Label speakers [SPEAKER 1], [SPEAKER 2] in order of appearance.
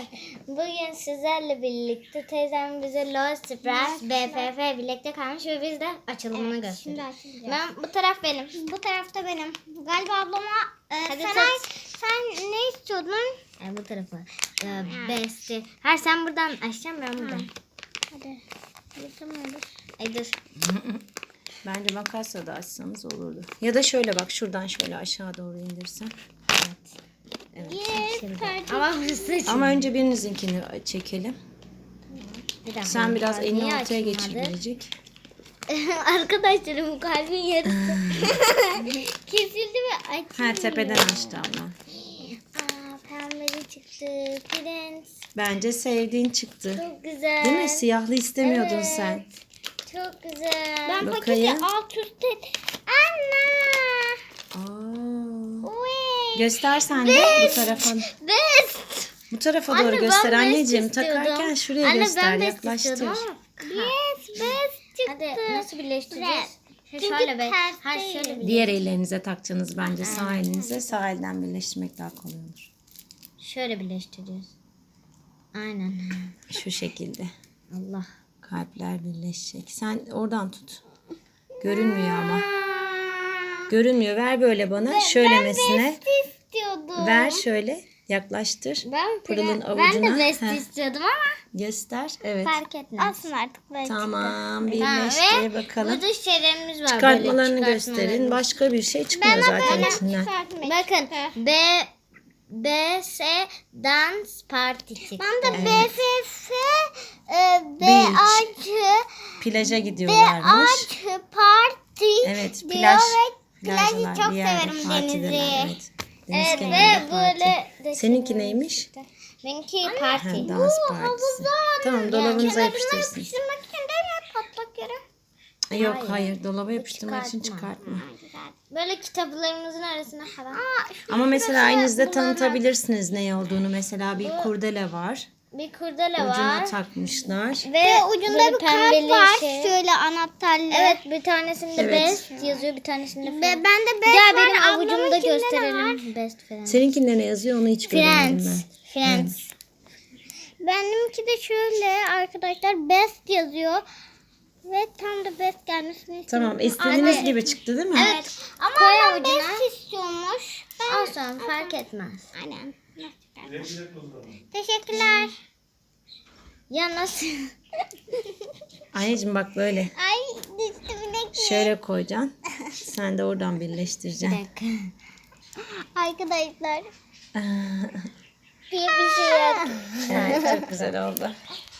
[SPEAKER 1] Bugün sizlerle birlikte teyzem bize Lost Surprise BFF birlikte kalmış ve biz de açılımını gösteriyoruz. Ben bu taraf benim.
[SPEAKER 2] Bu tarafta benim. Galiba ablama
[SPEAKER 1] Hadi
[SPEAKER 2] sen ne istiyordun?
[SPEAKER 1] Bu tarafa. Besti. Her sen buradan açacaksın, ben buradan.
[SPEAKER 2] Hadi. Yapamıyoruz.
[SPEAKER 1] Ay dur.
[SPEAKER 3] Bence makasla da açsanız olurdu. Ya da şöyle bak, şuradan şöyle aşağı doğru indirsen. Evet.
[SPEAKER 1] Ama hızlı
[SPEAKER 3] Ama önce birinizinkini çekelim. Sen biraz elini
[SPEAKER 1] Niye
[SPEAKER 3] ortaya
[SPEAKER 1] açılmadı?
[SPEAKER 3] geçirecek.
[SPEAKER 1] Arkadaşlarım kalbin yarısı kesildi ve açılmıyor.
[SPEAKER 3] Ha, tepeden açtı abla.
[SPEAKER 1] Pembeli çıktı. Prens.
[SPEAKER 3] Bence sevdiğin çıktı.
[SPEAKER 1] Çok güzel.
[SPEAKER 3] Değil mi? Siyahlı istemiyordun
[SPEAKER 1] Evet.
[SPEAKER 3] sen.
[SPEAKER 1] Çok güzel.
[SPEAKER 2] Ben
[SPEAKER 3] Bakayım.
[SPEAKER 2] paketi alt üst et. Anne.
[SPEAKER 3] Aa.
[SPEAKER 2] Uy.
[SPEAKER 3] Göster sen de bu tarafa.
[SPEAKER 1] Best.
[SPEAKER 3] Bu tarafa
[SPEAKER 1] Anne,
[SPEAKER 3] doğru
[SPEAKER 1] ben
[SPEAKER 3] göster
[SPEAKER 1] best
[SPEAKER 3] anneciğim.
[SPEAKER 1] istiyordum.
[SPEAKER 3] Takarken şuraya
[SPEAKER 1] Anne,
[SPEAKER 3] göster,
[SPEAKER 1] ben best
[SPEAKER 3] yaklaştır.
[SPEAKER 1] istiyordum ama.
[SPEAKER 2] Yes, best çıktı.
[SPEAKER 1] Hadi nasıl birleştireceğiz?
[SPEAKER 2] Çünkü
[SPEAKER 1] Şöyle be.
[SPEAKER 2] ters
[SPEAKER 1] Ha
[SPEAKER 2] değil.
[SPEAKER 1] şöyle bir.
[SPEAKER 3] Diğer ellerinize takacaksınız bence, sağ elinize. Sağ elden birleştirmek daha kolay olur.
[SPEAKER 1] Şöyle birleştireceğiz. Aynen.
[SPEAKER 3] Şu şekilde.
[SPEAKER 1] Allah.
[SPEAKER 3] Kalpler birleşecek. Sen oradan tut. Görünmüyor ama. Görünmüyor. Ver böyle bana. Şöylemesine.
[SPEAKER 2] İstiyordum.
[SPEAKER 3] Ver şöyle. Yaklaştır. Pırıl'ın
[SPEAKER 1] Ben
[SPEAKER 3] avucuna.
[SPEAKER 1] de best
[SPEAKER 3] Heh,
[SPEAKER 1] istiyordum ama
[SPEAKER 3] göster. Evet.
[SPEAKER 1] fark etmez.
[SPEAKER 2] Olsun artık böyle.
[SPEAKER 3] Tamam.
[SPEAKER 1] Ha,
[SPEAKER 3] Birleştir
[SPEAKER 1] ve
[SPEAKER 3] bakalım.
[SPEAKER 1] burada şeylerimiz var.
[SPEAKER 3] Çıkartmalarını
[SPEAKER 1] böyle
[SPEAKER 3] gösterin. Başka bir şey çıkmıyor zaten içinden.
[SPEAKER 1] Bakın. BS Dance Party çıktı.
[SPEAKER 2] Ben de BFF BAC
[SPEAKER 3] Plaja gidiyorlarmış.
[SPEAKER 2] Parti
[SPEAKER 3] Evet,
[SPEAKER 2] diyor
[SPEAKER 3] plaj.
[SPEAKER 2] ve plajı
[SPEAKER 3] Plajlar,
[SPEAKER 2] çok
[SPEAKER 3] bir yerde
[SPEAKER 2] severim
[SPEAKER 3] partideler,
[SPEAKER 2] denizi.
[SPEAKER 3] Evet. Deniz
[SPEAKER 1] Evet,
[SPEAKER 3] kenarında
[SPEAKER 1] ve
[SPEAKER 3] parti.
[SPEAKER 1] böyle
[SPEAKER 3] Seninki neymiş?
[SPEAKER 1] Benimki
[SPEAKER 3] Ha,
[SPEAKER 1] parti.
[SPEAKER 3] dans partisi. Tamam, dolabınıza yapıştırsın.
[SPEAKER 2] Yapıştırmak için değil mi? Patlak yere.
[SPEAKER 3] Yok hayır, dolaba yapıştırmak için
[SPEAKER 1] çıkartma.
[SPEAKER 3] çıkartma.
[SPEAKER 1] Böyle kitaplarımızın arasına falan.
[SPEAKER 3] Ama mesela aynınızda tanıtabilirsiniz ne olduğunu. Mesela bir kurdele var.
[SPEAKER 1] Bir kurdele
[SPEAKER 3] Ucuna
[SPEAKER 1] var.
[SPEAKER 3] takmışlar.
[SPEAKER 1] Ve
[SPEAKER 2] Ucunda
[SPEAKER 1] böyle
[SPEAKER 2] bir
[SPEAKER 1] pembeli
[SPEAKER 2] kart var.
[SPEAKER 1] şey.
[SPEAKER 2] Şöyle anahtarlı.
[SPEAKER 1] Evet, bir tanesinde
[SPEAKER 3] Evet.
[SPEAKER 1] best yazıyor, bir tanesinde
[SPEAKER 2] Ben
[SPEAKER 1] falan.
[SPEAKER 2] de
[SPEAKER 1] Gel
[SPEAKER 2] best var.
[SPEAKER 1] benim
[SPEAKER 2] Ablamın
[SPEAKER 1] avucumda
[SPEAKER 2] içinde ne var?
[SPEAKER 1] gösterelim. Best falan.
[SPEAKER 3] Seninkinde ne yazıyor onu hiç görmedim
[SPEAKER 1] Friends.
[SPEAKER 3] ben.
[SPEAKER 1] Friends.
[SPEAKER 2] Benimki de şöyle arkadaşlar best yazıyor. Ve tam da best gelmesini istiyorum.
[SPEAKER 3] Tamam, istediğiniz
[SPEAKER 1] Hadi.
[SPEAKER 3] gibi çıktı değil mi?
[SPEAKER 1] Evet.
[SPEAKER 2] Ama
[SPEAKER 1] Koy
[SPEAKER 2] adam
[SPEAKER 1] avucuna.
[SPEAKER 2] best istiyormuş. Ben...
[SPEAKER 1] Olsun, fark etmez.
[SPEAKER 2] Aynen. Teşekkürler.
[SPEAKER 1] Ya nasıl?
[SPEAKER 3] Anneciğim bak böyle.
[SPEAKER 2] Ay düştü bilek.
[SPEAKER 3] Şöyle koyacaksın. Sen de oradan
[SPEAKER 1] Bir
[SPEAKER 3] birleştireceksin.
[SPEAKER 1] dakika.
[SPEAKER 2] Arkadaşlar.
[SPEAKER 1] Diye bir şey yok.
[SPEAKER 3] Evet, çok güzel oldu.